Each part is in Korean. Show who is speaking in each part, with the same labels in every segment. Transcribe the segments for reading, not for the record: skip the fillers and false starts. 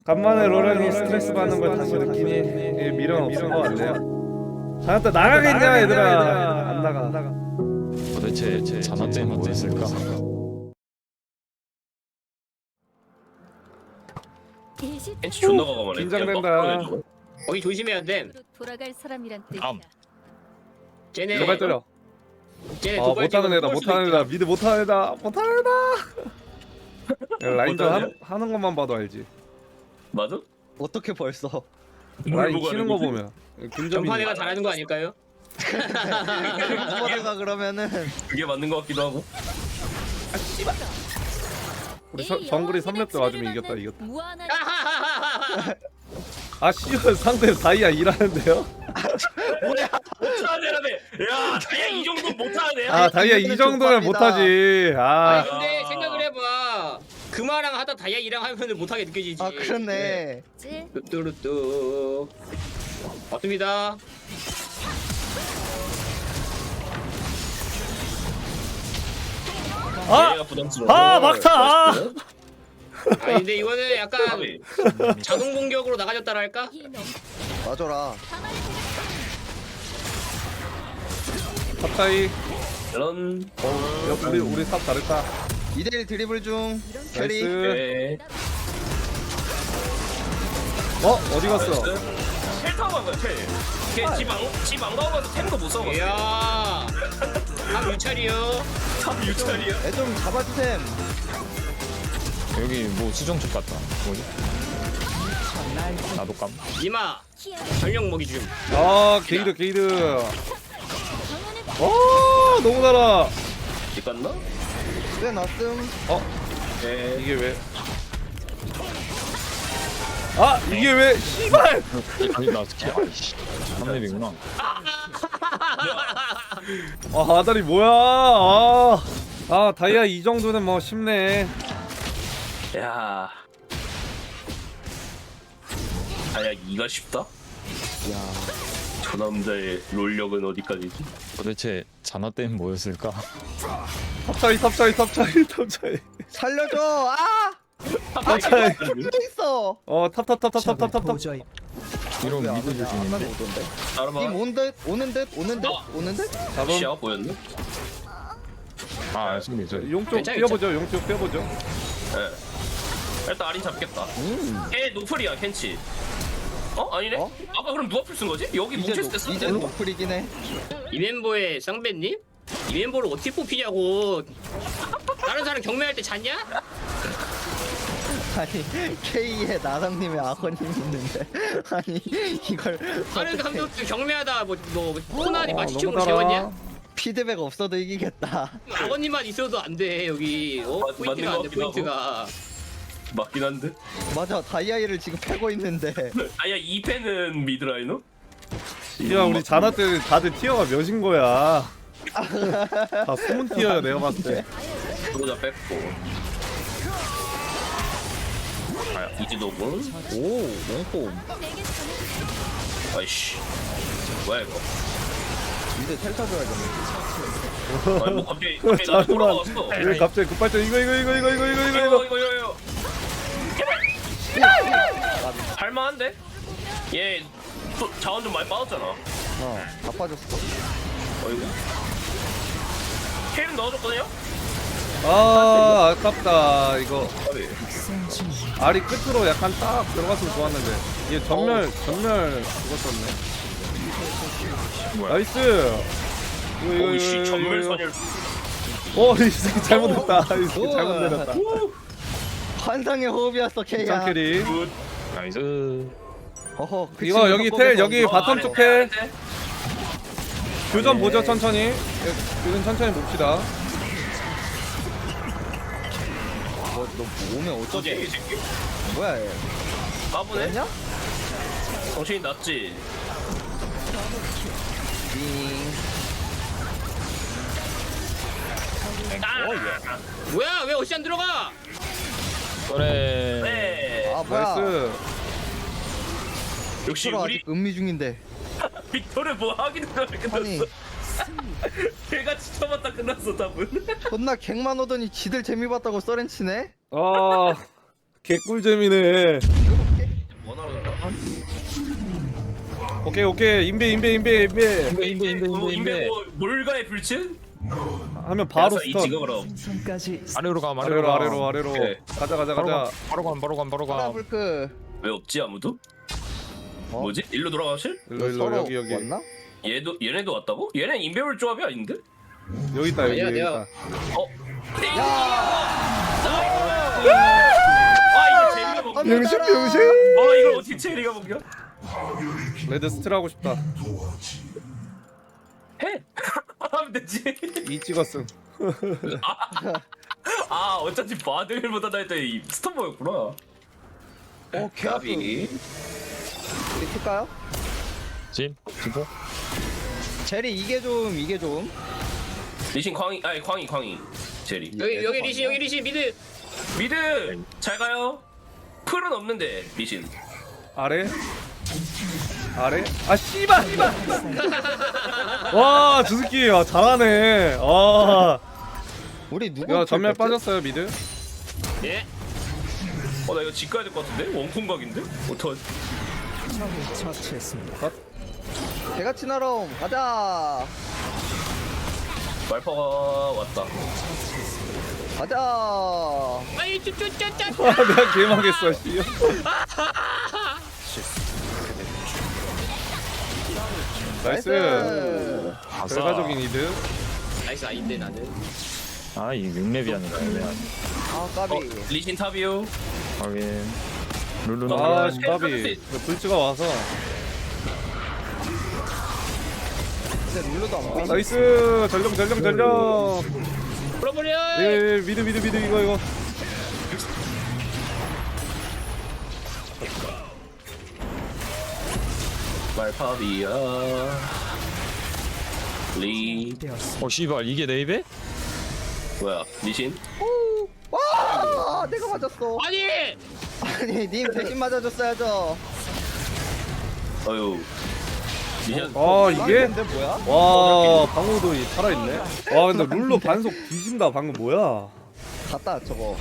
Speaker 1: 간만에 로렌이 스트레스 받는 걸 다시 느끼니 미련 없을 것 같네요. 자나또 나가겠냐 얘들아. 안 나가.
Speaker 2: 도대체 자나떼는 뭐였을까?
Speaker 3: 벤치 존나 과감하네.
Speaker 1: 긴장된다.
Speaker 4: 거기 조심해야 돼.
Speaker 5: 돌아갈 사람이란
Speaker 2: 암.
Speaker 5: 뜻이야.
Speaker 4: 쟤네
Speaker 1: 제발 때려.
Speaker 4: 쟤네
Speaker 1: 아
Speaker 4: 도발적으로
Speaker 1: 못하는 애다.
Speaker 4: 쏠 수도
Speaker 1: 못하는
Speaker 4: 있다.
Speaker 1: 애다. 미드 못하는 애다. 못하는 애다. 라인전 하는 것만 봐도 알지.
Speaker 3: 맞아?
Speaker 6: 어떻게 벌써?
Speaker 1: 라인
Speaker 3: 보고
Speaker 1: 치는
Speaker 3: 하는
Speaker 1: 거
Speaker 3: 거지?
Speaker 1: 보면 근접이.
Speaker 4: 전판애가 잘하는 거 아닐까요?
Speaker 6: 후보드가 그러면은
Speaker 3: 그게 맞는 것 같기도 하고.
Speaker 1: 우리 정글이 3렙 때 맞으면 이겼다.
Speaker 5: 무한한
Speaker 1: 아 씨발 상대 다이아 일하는데요?
Speaker 3: 못하는 애라네. 야, 다이아 이 정도 못하는 애야.
Speaker 1: 아 다이아 이 정도면 못하지. 아
Speaker 4: 아니 근데 생각을 해봐. 금화랑 하다 다이아이랑 하면은 못하게 느껴지지.
Speaker 6: 아 그렇네.
Speaker 4: 뚜뚜루뚜. 맞습니다.
Speaker 1: 아!
Speaker 3: 얘가 부담스러워.
Speaker 1: 아 막타! 아!
Speaker 4: 아니 근데 이거는 약간
Speaker 3: 까비.
Speaker 4: 자동 공격으로 나가졌다랄까?
Speaker 6: 맞아라.
Speaker 1: 갑자기
Speaker 3: 이런.
Speaker 1: 우리 탑 잘했다.
Speaker 6: 2대1 드리블 중 캐리.
Speaker 1: 나이스.
Speaker 3: 네.
Speaker 1: 어디 갔어?
Speaker 3: 텔 타고 간 거야, 텔. 걔집안 가고 가서 템도 못 써봤어.
Speaker 4: 이야. 탑 유찰이요.
Speaker 3: 참 유찰이야.
Speaker 6: 애 좀 잡아주셈.
Speaker 2: 여기 뭐 수정축 같다. 뭐지? 나도 깜.
Speaker 4: 이마. 전력 먹이 줌.
Speaker 1: 아 게이드. 너무 달아.
Speaker 3: 집 갔나?
Speaker 6: 꽤 놨음.
Speaker 3: 네.
Speaker 1: 이게 왜? 아 이게 왜? 씨발!
Speaker 2: 아니 나 스킬 아이씨. 3렙이구나.
Speaker 1: 아 아다리 뭐야? 아 다이아 이 정도는 뭐 쉽네.
Speaker 3: 야. 아야 이가 쉽다?
Speaker 6: 야.
Speaker 3: 저 남자의 롤력은 어디까지지?
Speaker 2: 도대체 자나떼는 뭐였을까?
Speaker 1: 탑차이.
Speaker 6: 살려줘. 아!
Speaker 1: 탑차이.
Speaker 6: 또 있어.
Speaker 1: 탑.
Speaker 2: 이런 미드
Speaker 6: 안
Speaker 2: 조심인데.
Speaker 6: 오던데.
Speaker 3: 따라봐.
Speaker 6: 오는 듯.
Speaker 1: 잡음.
Speaker 3: 시야 보였네?
Speaker 2: 아 승리 저.
Speaker 1: 용쪽
Speaker 4: 괜찮아,
Speaker 1: 뛰어보죠. 용쪽 뛰어보죠.
Speaker 3: 예. 일단 아린 잡겠다. 걔 노플이야 켄치. 아니네?
Speaker 6: 어?
Speaker 3: 아까 그럼 누가 풀쓴 거지? 여기 뭉쳤을 때 쓴
Speaker 6: 이제
Speaker 3: 데
Speaker 6: 노플이긴 해.
Speaker 4: 이 멤버의 쌍배님? 이 멤버를 어떻게 뽑히냐고. 다른 사람 경매할 때 잤냐?
Speaker 6: 아니 K에 나상님의 아버님 있는데 아니 이걸
Speaker 4: 다른
Speaker 6: 어떡해.
Speaker 4: 감독들 경매하다 뭐 코난이 마취총으로
Speaker 1: 너무
Speaker 4: 재웠냐?
Speaker 1: 달아.
Speaker 6: 피드백 없어도 이기겠다.
Speaker 4: 아버님만 있어도 안 돼 여기 포인트가 안 돼
Speaker 3: 맞는 것 같기도
Speaker 4: 포인트가.
Speaker 3: 맞긴 한데.
Speaker 6: 맞아 다이아이를 지금 패고 있는데
Speaker 3: 아야 2패는 미드라이너?
Speaker 1: 야 우리 자나 때 다들 티어가 몇인 거야? 다 숨은 티어야 내가 봤을 때.
Speaker 3: 소자 뺐고. 이지도군.
Speaker 6: 오 롱폼
Speaker 3: 아이씨. 뭐야 이거?
Speaker 6: 이제 텔 타줘야겠네.
Speaker 3: 아니 뭐 갑자기 나한테 돌아왔어.
Speaker 1: 왜 갑자기 급발전 이거.
Speaker 3: 이거. 할만한데? 얘 자원 좀 많이 빠졌잖아.
Speaker 6: 다 빠졌어.
Speaker 3: 어이구. 케일은 넣어줬거든요?
Speaker 1: 아 아깝다 이거.
Speaker 3: 까비.
Speaker 1: 알이 끝으로 약간 딱 들어갔으면 좋았는데 얘 전멸 그거 썼네.
Speaker 2: 뭐야?
Speaker 1: 나이스.
Speaker 3: 오이씨 전멸선열.
Speaker 1: 이 새끼 잘못했다. 이 새끼 잘못 내렸다.
Speaker 6: 환상의 호흡이었어 K야.
Speaker 1: 짱 캐리.
Speaker 3: 굿.
Speaker 2: 나이스.
Speaker 6: 어허 그
Speaker 1: 이거
Speaker 6: 친구
Speaker 1: 여기
Speaker 6: 덕분에
Speaker 1: 텔 여기
Speaker 6: 더-
Speaker 1: 바텀 쪽 텔. 교전
Speaker 6: 네.
Speaker 1: 보죠 천천히. 교전 천천히 봅시다.
Speaker 6: 너 오면
Speaker 3: 어쩌지
Speaker 6: 어쩌지?
Speaker 3: 이 새끼?
Speaker 6: 뭐야 얘?
Speaker 3: 까부네?
Speaker 6: 뭐냐?
Speaker 3: 정신이 났지?
Speaker 6: 띵.
Speaker 4: 뭐야 왜 어시 안 들어가?
Speaker 2: 그래.
Speaker 3: 네.
Speaker 6: 아 뭐야?
Speaker 1: 나이스.
Speaker 3: 역시
Speaker 6: 빅토르
Speaker 3: 우리
Speaker 6: 아직 음미 중인데.
Speaker 3: 빅토르 뭐 하기는
Speaker 6: 아니
Speaker 3: 끝났어. 걔가 지쳐봤다 끝났어 답은.
Speaker 6: 존나 갱만 오더니 지들 재미 봤다고 써렌치네?
Speaker 1: 개꿀잼이네.
Speaker 6: 이거
Speaker 1: 오케이 인베
Speaker 2: 인베
Speaker 3: 몰가의 불친?
Speaker 1: 하면 바로
Speaker 3: 이
Speaker 1: 스턴.
Speaker 3: 찍어 그럼.
Speaker 2: 아래로 가
Speaker 1: 아래로
Speaker 3: 오케이.
Speaker 1: 가자
Speaker 2: 바로 가
Speaker 6: 브라블크.
Speaker 3: 왜 없지 아무도?
Speaker 6: 어?
Speaker 3: 뭐지? 일로 돌아가실?
Speaker 1: 일로
Speaker 6: 서로
Speaker 1: 여기
Speaker 6: 왔나?
Speaker 3: 얘네도 왔다고? 얘네 인베울 조합이 아닌데?
Speaker 1: 여기 있다 여기
Speaker 4: 아니야,
Speaker 1: 있다.
Speaker 3: 어?
Speaker 6: 야.
Speaker 3: 아 이거 제리가 먹냐?
Speaker 1: 병신
Speaker 3: 아 이걸 어떻게 제리가 먹냐?
Speaker 1: 레드 스틸 하고 싶다.
Speaker 3: 해! 하면 되지.
Speaker 1: 이 찍었음.
Speaker 3: 아 어쩐지 바들보다 나 했더니 스톱버였구나.
Speaker 6: 개 아프.
Speaker 3: 가비.
Speaker 6: 리트까요?
Speaker 2: 진 진포
Speaker 6: 제리 이게 좀.
Speaker 3: 리신 광희 아니 광희 제리.
Speaker 4: 여기 리신 미드.
Speaker 3: 미드 잘 가요. 풀은 없는데 리신.
Speaker 1: 아래. 아 씨발. 와, 저 새끼 잘하네. 아.
Speaker 6: 우리 누구?
Speaker 1: 야, 전멸
Speaker 6: 켰지?
Speaker 1: 빠졌어요, 미드.
Speaker 4: 예.
Speaker 3: 나 이거 집 가야 될 것 같은데? 원콩각인데? 어떡하지?
Speaker 6: 개같이 날아. 가자.
Speaker 3: 말파가 왔다.
Speaker 6: 가자.
Speaker 4: 아이 쭈쭈쭈쭈.
Speaker 1: 아, 내가 개망했어, 씨. 나이스. 결과적인 이득.
Speaker 4: 나이스 아닌데 나는.
Speaker 2: 아이 6렙이 아니라 애매하네
Speaker 6: 아 까비.
Speaker 3: 리신 탑이요.
Speaker 2: 확인 룰루는
Speaker 1: 아,
Speaker 3: 어,
Speaker 1: 까비. 불츠가 와서.
Speaker 6: 근데 룰루도 안 보이네.
Speaker 1: 나이스. 전령.
Speaker 4: 풀어버려.
Speaker 1: 예, 미드 이거.
Speaker 3: 말파비야. 리
Speaker 2: 씨발 이게 내 입에?
Speaker 3: 뭐야? 리신?
Speaker 6: 와 내가 맞았어.
Speaker 4: 아니.
Speaker 6: 아니 님 대신 맞아줬어야죠.
Speaker 3: 어유. 리신.
Speaker 1: 이게?
Speaker 6: 근데 뭐야?
Speaker 1: 와, 방어도 살아있네. 와, 근데 룰로 반속 뒤진다. 방금 뭐야?
Speaker 6: 갔다 저거.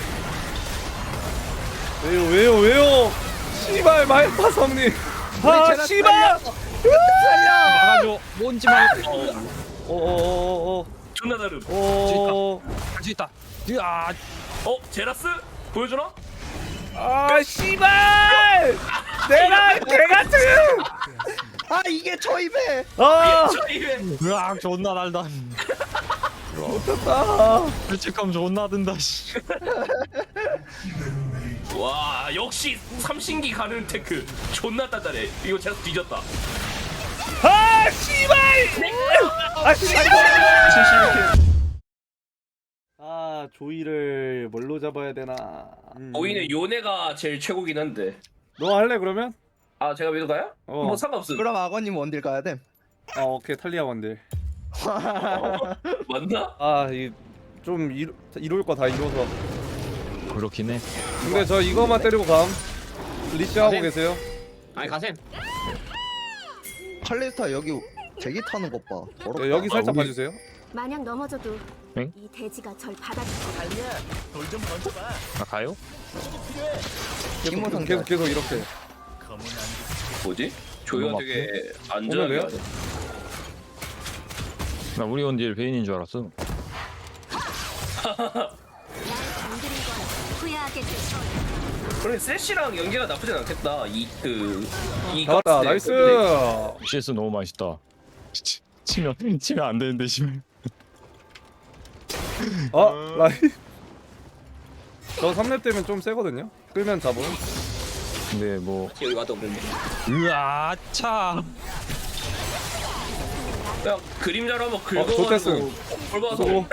Speaker 1: 왜요? 씨발, 말파 성님. 아, 씨발!
Speaker 2: 막아줘 뭔지 말고
Speaker 1: 어어어어어.
Speaker 3: 존나 다름.
Speaker 2: 할 수 있다 아
Speaker 3: 제라스? 보여주나?
Speaker 1: 아, 씨발! 내가 개같은!
Speaker 6: 아 이게 저 입에.
Speaker 1: 아,
Speaker 3: 저 입에.
Speaker 2: 으악 존나 날다
Speaker 1: 못했다.
Speaker 2: 죄책감 존나 든다 씨
Speaker 3: 와 역시 삼신기 가는 테크 존나 단단해. 이거 제라스 뒤졌다.
Speaker 1: 아, 씨발! 아, 씨발! 아, 조이를 뭘로 잡아야 되나?
Speaker 3: 오이는 요네가 제일 최고긴 한데.
Speaker 1: 너 할래 그러면?
Speaker 3: 아 제가 믿어 가요?
Speaker 1: 어.
Speaker 3: 뭐 상관없음.
Speaker 6: 그럼 악어님 원딜 가야 돼.
Speaker 1: 아, 오케이. 탈리아 원딜.
Speaker 3: 맞나?
Speaker 1: 아, 좀 이룰 거 다 이뤄서.
Speaker 2: 그렇긴 해
Speaker 1: 근데 저 이거만 때리고 감. 리시 하고 계세요.
Speaker 4: 아니 가셈.
Speaker 6: 칼리스타 여기 제기 타는 것 봐. 더럽다.
Speaker 1: 네, 여기 살짝
Speaker 2: 우리-
Speaker 1: 봐주세요.
Speaker 5: 마냥 넘어져도
Speaker 2: 응?
Speaker 5: 이 돼지가 절 받아줄
Speaker 2: 아 가요?
Speaker 6: 티모 상대.
Speaker 1: 계속 이렇게.
Speaker 3: 뭐지? 조이가
Speaker 2: 너무
Speaker 3: 되게
Speaker 1: 오늘래요?
Speaker 3: 안전하게 하네.
Speaker 2: 나 우리 원딜 베인인 줄 알았어
Speaker 5: 날 건드린 건 후회하게 될 거야.
Speaker 3: 그래 세시랑 연계가 나쁘진 않겠다. 이
Speaker 1: 잡았다. 나이스.
Speaker 2: CS 너무 맛있다 치면 안 되는데 씨발
Speaker 1: 라이. 저 3렙 되면 좀 세거든요. 끌면 잡음.
Speaker 2: 근데 뭐
Speaker 4: 여기 와도 없는데.
Speaker 2: 으아 차
Speaker 3: 그냥 그림자로 한번
Speaker 1: 좋댔음.
Speaker 3: 긁어가지고
Speaker 1: 수고.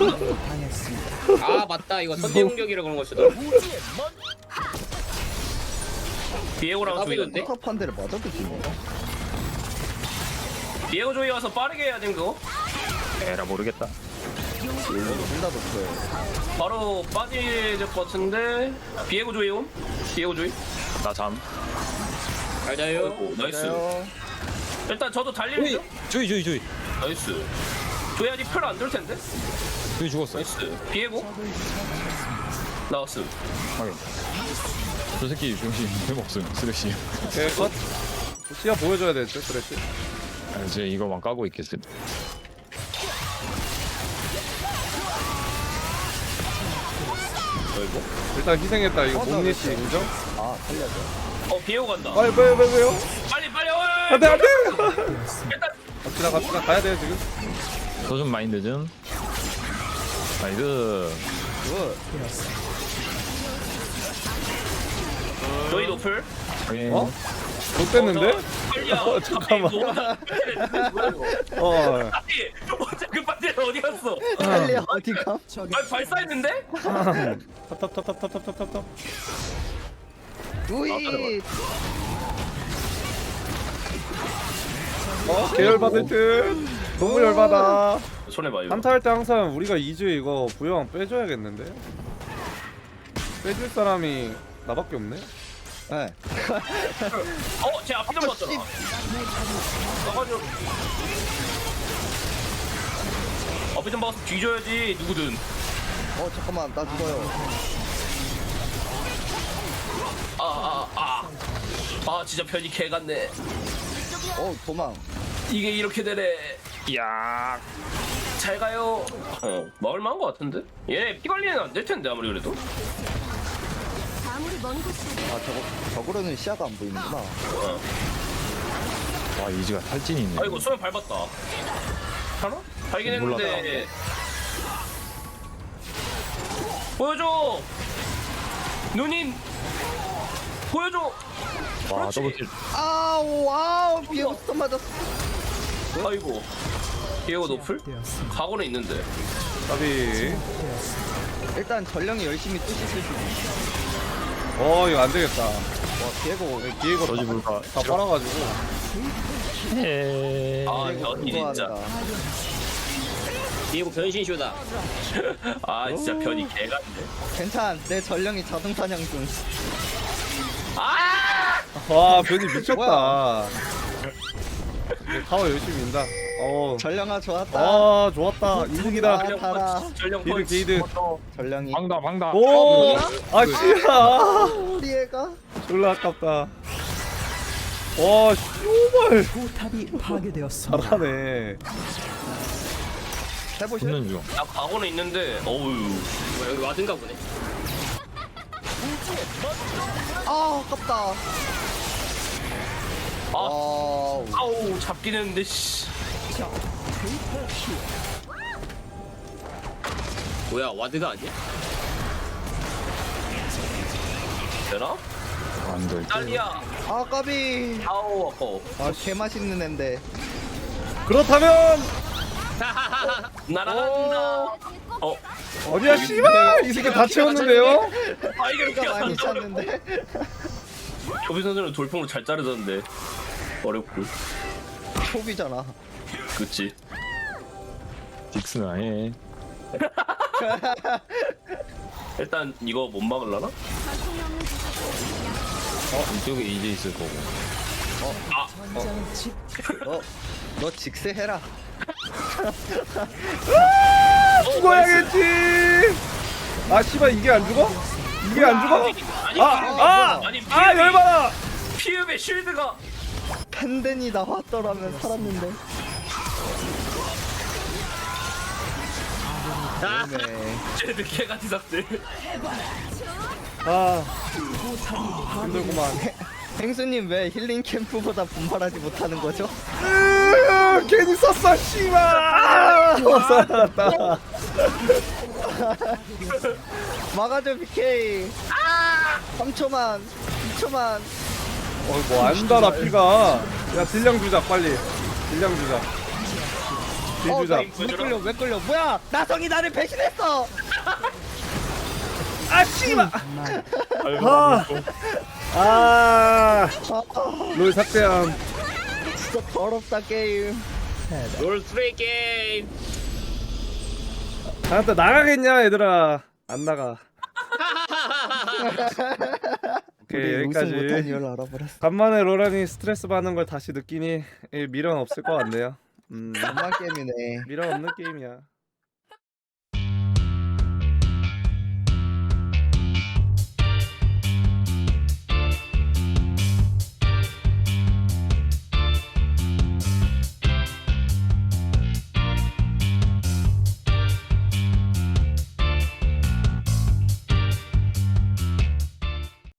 Speaker 4: 아 맞다 이거 선제 공격이라 그런 거였어.
Speaker 3: 비에고랑 조이
Speaker 4: 까비던데?
Speaker 6: 컵한 대를 맞아도 지네.
Speaker 3: 비에고 조이 와서 빠르게 해야 되는 거.
Speaker 2: 에라 모르겠다
Speaker 6: 둘다 높아요.
Speaker 3: 바로 빠질 것 같은데. 비에고 조이 온? 비에고 조이?
Speaker 2: 나잠
Speaker 4: 잘 자요.
Speaker 3: 오, 나이스.
Speaker 6: 그래요.
Speaker 3: 일단 저도 달리는 중.
Speaker 2: 조이
Speaker 3: 나이스. 조이 아직 풀 안 돌 텐데.
Speaker 2: 조이 죽었어
Speaker 3: 나이스. 비에고 나왔음.
Speaker 2: 확인 저 새끼 중심 힘없음 쓰레쉬.
Speaker 1: 오케이 컷. 시야 보여줘야 되죠 그랬지.
Speaker 2: 아, 이제 이거만 까고 있겠음.
Speaker 1: 일단 희생했다 이거 몸리시 인정?
Speaker 6: 아 살려줘.
Speaker 3: 비에고 간다.
Speaker 1: 빨리 왜요?
Speaker 3: 빨리 빨리.
Speaker 1: 안돼 안돼.
Speaker 3: 일단
Speaker 1: 갑시다 가야 돼 지금.
Speaker 2: 소좀 마인드 좀. 마인드.
Speaker 3: 너희 노플.
Speaker 2: 확인.
Speaker 1: 어? 못 됐는데?
Speaker 3: 빨리야.
Speaker 1: 잠깐만. 어.
Speaker 3: 아니 어제 그 반대는 어디 갔어?
Speaker 6: 빨리 어디 가?
Speaker 3: 아니 발사했는데?
Speaker 1: 탑탑탑탑탑탑탑탑.
Speaker 6: 우이.
Speaker 1: 계열 받을 듯. 너무 열받아.
Speaker 3: 손해 봐 이거.
Speaker 1: 한타 할 때 항상 우리가 2주 이거 부영 빼줘야겠는데? 빼줄 사람이 나밖에 없네?
Speaker 6: 네.
Speaker 3: 제 앞에 좀 봤잖아. 나가지고. 앞에 좀 봐서 뒤져야지 누구든.
Speaker 6: 잠깐만 나 죽어요.
Speaker 3: 진짜 편이 개 같네.
Speaker 6: 도망.
Speaker 3: 이게 이렇게 되네.
Speaker 2: 야.
Speaker 3: 잘 가요. 마을만 한 거 같은데? 얘 피 관리는 안 될 텐데 아무리 그래도.
Speaker 5: 아무리 먼 곳이라도
Speaker 6: 저거로는 시야가 안 보이는구나.
Speaker 2: 와 이지가 탈진이 있네.
Speaker 3: 아이고 수면 밟았다. 하나? 발긴 했는데. 보여줘. 누님. 보여줘.
Speaker 2: 와
Speaker 3: 그렇지.
Speaker 2: 더블킬.
Speaker 6: 아우 비에고 스톱 맞았어.
Speaker 3: 아이고. 비에고 노플? 각오는 있는데.
Speaker 1: 까비.
Speaker 6: 일단 전령이 열심히 뚜시 쓸 수 있어.
Speaker 1: 이거 안 되겠다.
Speaker 6: 와 비에고
Speaker 1: 비에고
Speaker 2: 저지 불가.
Speaker 1: 다 빨아가지고.
Speaker 3: 변이 진짜.
Speaker 4: 비에고 변신쇼다.
Speaker 3: 진짜 변이 개 같네.
Speaker 6: 괜찮. 내 전령이 자동 사냥 중.
Speaker 1: 와 변이 미쳤다. 이제 타워 열심히 민다.
Speaker 6: 전령아 좋았다.
Speaker 1: 좋았다. 이득이다.
Speaker 6: 달아.
Speaker 3: 전령
Speaker 1: 게이드
Speaker 3: 펀치.
Speaker 1: 게이드.
Speaker 6: 전령이.
Speaker 2: 방다.
Speaker 1: 오! 씨야.
Speaker 6: 우리 애가.
Speaker 1: 졸라 아깝다. 와, 씨발.
Speaker 7: 포탑이 파괴되었습니다.
Speaker 1: 잘하네.
Speaker 6: 해보실?
Speaker 2: 붙는 중.
Speaker 3: 나 각오는 있는데. 어우.
Speaker 4: 뭐야 여기 와든가 보네.
Speaker 6: 아깝다.
Speaker 3: 아우 잡긴 했는데 씨.
Speaker 4: 뭐야 와드가 아니야?
Speaker 3: 되나?
Speaker 2: 안 될.
Speaker 3: 딸리야.
Speaker 6: 까비.
Speaker 3: 아우 아까워.
Speaker 6: 개 맛있는 앤데.
Speaker 1: 그렇다면
Speaker 3: 날아간다.
Speaker 1: 어디야 씨발 이 새끼 다 채웠는데요?
Speaker 3: 이게 이렇게
Speaker 6: 가 많이
Speaker 3: 안
Speaker 6: 찼는데.
Speaker 3: 조비 선수는 돌풍으로 잘 자르던데. 어렵고.
Speaker 6: 초비잖아.
Speaker 3: 그치.
Speaker 2: 딕스는 아예.
Speaker 3: 일단 이거 못 막을라나?
Speaker 5: 전통이 없는 곳에서
Speaker 2: 이쪽에 이제 있을 거고.
Speaker 6: 너 직세해라.
Speaker 1: 죽어야겠지. 씨발 이게 안 죽어? 이게 안 죽어? 열받아.
Speaker 3: 피읍의 쉴드가.
Speaker 6: 팬덴이 나왔더라면 살았는데. 네.
Speaker 3: 쟤들 개같이 삭제.
Speaker 1: 힘들구만.
Speaker 6: 행수님 왜 힐링 캠프보다 분발하지 못하는 거죠?
Speaker 1: 괜히 썼어 씨발. 살았다.
Speaker 6: 막아줘 BK. 3초만 2초만.
Speaker 1: 뭐 안다 나 피가. 야 딜량 주자 빨리. 딜량 주자. 딜 주자.
Speaker 6: 왜 끌려 뭐야 나성이 나를 배신했어.
Speaker 1: 씨발. 롤 삭제함.
Speaker 6: 진짜 더럽다 게임.
Speaker 4: 롤 스트레이 게임.
Speaker 1: 또 나가겠냐 얘들아. 안 나가. 오케이
Speaker 6: 우승 못한
Speaker 1: 여기까지.
Speaker 6: 이유를 알아버렸어.
Speaker 1: 간만에 로란이 스트레스 받는 걸 다시 느끼니 미련 없을 것 같네요.
Speaker 6: 엄마 게임이네.
Speaker 1: 미련 없는 게임이야.